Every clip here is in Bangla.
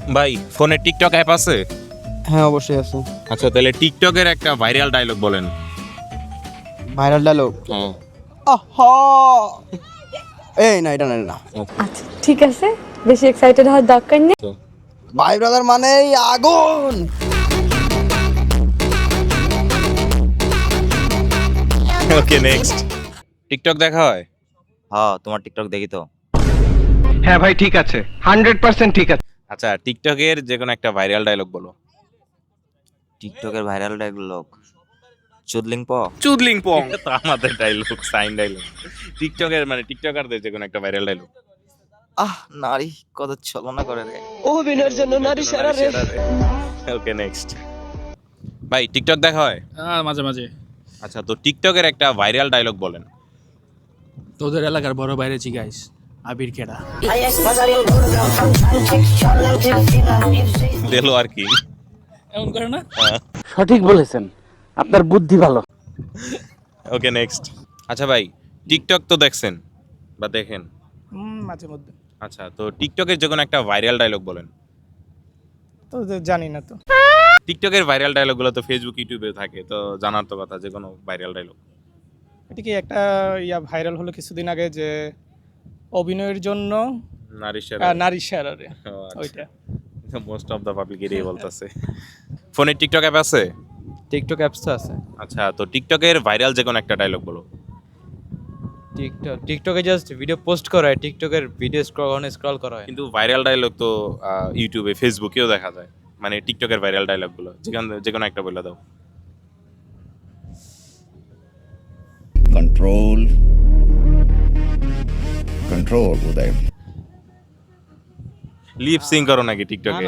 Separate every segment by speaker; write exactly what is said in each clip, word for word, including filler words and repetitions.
Speaker 1: ভাই ফোনে টিকটক অ্যাপ আছে?
Speaker 2: হ্যাঁ অবশ্যই আছে।
Speaker 1: আচ্ছা তাহলে টিকটকের একটা ভাইরাল ডায়লগ বলেন।
Speaker 2: ভাইরাল ডায়লগ,
Speaker 1: হ্যাঁ
Speaker 2: আহা এই না এটা না এটা না
Speaker 3: আচ্ছা ঠিক আছে, বেশি এক্সাইটেড হওয়ার দরকার নেই।
Speaker 2: ভাই ব্রাদার মানেই আগুন।
Speaker 1: Okay next. টিকটক দেখা হয়?
Speaker 4: হ্যাঁ, তোমার টিকটক দেখি তো।
Speaker 5: হ্যাঁ ভাই ঠিক আছে, হান্ড্রেড পার্সেন্ট ঠিক আছে।
Speaker 1: আচ্ছা টিকটকের যে কোনো একটা ভাইরাল ডায়লগ বলো।
Speaker 4: টিকটকের ভাইরাল ডায়লগ চুদলিং প।
Speaker 1: চুদলিং পং তো আমাদের ডায়লগ, সাইন ডায়লগ। টিকটকের মানে টিকটকারদের যে কোনো একটা ভাইরাল ডায়লগ।
Speaker 4: আহ নারী কত ছলনা করে রে।
Speaker 2: অভিনয়ের জন্য নারী সেরা রে।
Speaker 1: Okay next. ভাই টিকটক দেখা হয়?
Speaker 6: হ্যাঁ মাঝে মাঝে।
Speaker 1: আচ্ছা তো টিকটকের একটা ভাইরাল ডায়লগ বলেন।
Speaker 6: তোদের এলাকার বড় বাইরে জিগাইস আবির কেডা।
Speaker 1: দিলো আর কি
Speaker 6: এমন করে না?
Speaker 5: সঠিক বলেছেন, আপনার বুদ্ধি ভালো।
Speaker 1: Okay next. আচ্ছা ভাই টিকটক তো দেখছেন বা দেখেন?
Speaker 7: মাঝে মধ্যে
Speaker 1: আচ্ছা তো টিকটকের যে কোনো একটা ভাইরাল ডায়লগ বলেন।
Speaker 7: তো জানি না তো।
Speaker 1: টিকটকের ভাইরাল ডায়লগগুলো তো ফেসবুক ইউটিউবে থাকে, তো জানার তো কথা যে কোনো ভাইরাল ডায়লগ।
Speaker 7: এটা কি একটা ইয়া ভাইরাল হলো কিছুদিন আগে যে অভিনয়ের জন্য
Speaker 1: নারী সেরা।
Speaker 7: আহ, নারী সেরা রে, ওইটা।
Speaker 1: মোস্ট অফ দ্য পাবলিক এটাই বলতেছে। ফোনে টিকটক অ্যাপ আছে?
Speaker 2: টিকটক অ্যাপস তো আছে।
Speaker 1: আচ্ছা তো টিকটকের ভাইরাল যে কোনো একটা ডায়লগ বলো।
Speaker 2: টিকটক টিকটকে জাস্ট ভিডিও পোস্ট করা হয়, টিকটকের ভিডিও স্ক্রল অন স্ক্রল করা হয়।
Speaker 1: কিন্তু ভাইরাল ডায়লগ তো আহ, ইউটিউবে ফেসবুকেও দেখা যায়, মানে টিকটকের ভাইরাল ডায়লগগুলো যেখান যে কোনো একটা বলে দাও।
Speaker 8: Control. Control, Uday.
Speaker 1: Lip sync করো নাকি টিকটকে?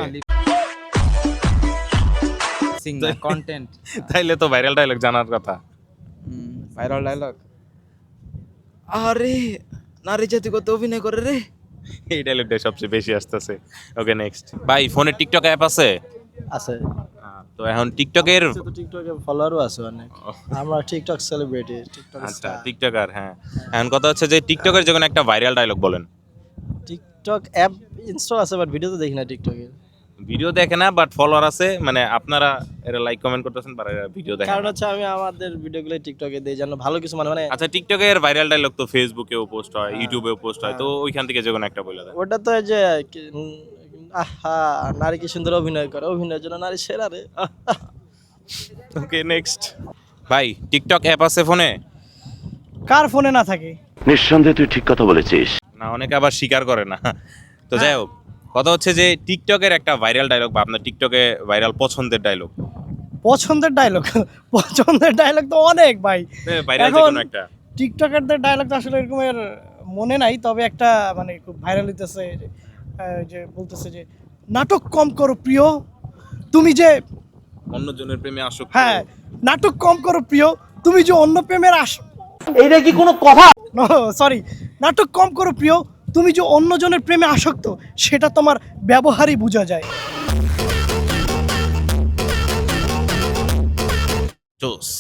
Speaker 2: সিং না কন্টেন্ট।
Speaker 1: তাইলে তো ভাইরাল ডায়লগ জানার কথা।
Speaker 2: ভাইরাল ডায়লগ, আরে নারী জাতি কত অভিনয় করে রে।
Speaker 1: এই ডায়লগটা সবচেয়ে বেশি আসতেছে। Okay next. ভাই ফোনে টিকটক অ্যাপ আছে?
Speaker 2: আছে
Speaker 1: আহ, তো এখন টিকটকের
Speaker 2: তো, টিকটকে ফলোয়ারও আছে অনেক। আমরা টিকটক সেলিব্রিটি, টিকটক
Speaker 1: আচ্ছা টিকটকার, হ্যাঁ। এখন কথা হচ্ছে যে টিকটকের যে কোনো একটা ভাইরাল ডায়লগ বলেন।
Speaker 2: টিকটক অ্যাপ ইনস্টল আছে বাট ভিডিও তো দেখি না টিকটকে।
Speaker 1: ভিডিও দেখে না বাট ফলোয়ার আছে, মানে আপনারা এরা লাইক কমেন্ট করতেছেন বা ভিডিও দেখেন
Speaker 2: কারণ
Speaker 1: না।
Speaker 2: হচ্ছে আমি আমাদের ভিডিওগুলো টিকটকে দেই যেন ভালো কিছু মানে মানে
Speaker 1: আচ্ছা টিকটকের ভাইরাল ডায়লগ তো ফেসবুকেও পোস্ট হয়, ইউটিউবেও পোস্ট হয়, তো ওইখান থেকে যে কোনো একটা বলে দেন।
Speaker 2: ওটা তো এই যে কি- উম, আহা নারী কি সুন্দর অভিনয় করে, অভিনয়ের জন্য নারী সেরা রে।
Speaker 1: Okay next. ভাই টিকটক অ্যাপ আছে ফোনে?
Speaker 7: কার ফোনে না থাকে?
Speaker 9: নিঃসন্দেহে তুই ঠিক কথা বলেছিস।
Speaker 1: না অনেকে আবার স্বীকার করে না। তো যাই হোক, কথা হচ্ছে যে টিকটকের একটা ভাইরাল ডায়লগ বা আপনার টিকটকে ভাইরাল পছন্দের ডায়লগ।
Speaker 7: পছন্দের ডায়লগ পছন্দের ডায়লগ তো অনেক ভাই।
Speaker 1: ভাইরাল যে
Speaker 7: এখন
Speaker 1: কোনো একটা।
Speaker 7: টিকটকারদের ডায়লগ তো আসলে এরকমের মনে নাই, তবে একটা মানে খুব ভাইরাল হইতেছে যে, আহ, যে বলতেছে যে নাটক কম করো প্রিয়, তুমি যে
Speaker 1: অন্যজনের প্রেমে আসক্ত।
Speaker 7: হ্যাঁ নাটক কম করো প্রিয়, তুমি যে অন্য প্রেমের আস
Speaker 5: এইটা কি কোনো কথা?
Speaker 7: সরি নাটক কম করো প্রিয়, তুমি যে অন্যজনের প্রেমে আসক্ত সেটা তোমার ব্যবহারই বোঝা যায়।
Speaker 1: জোস।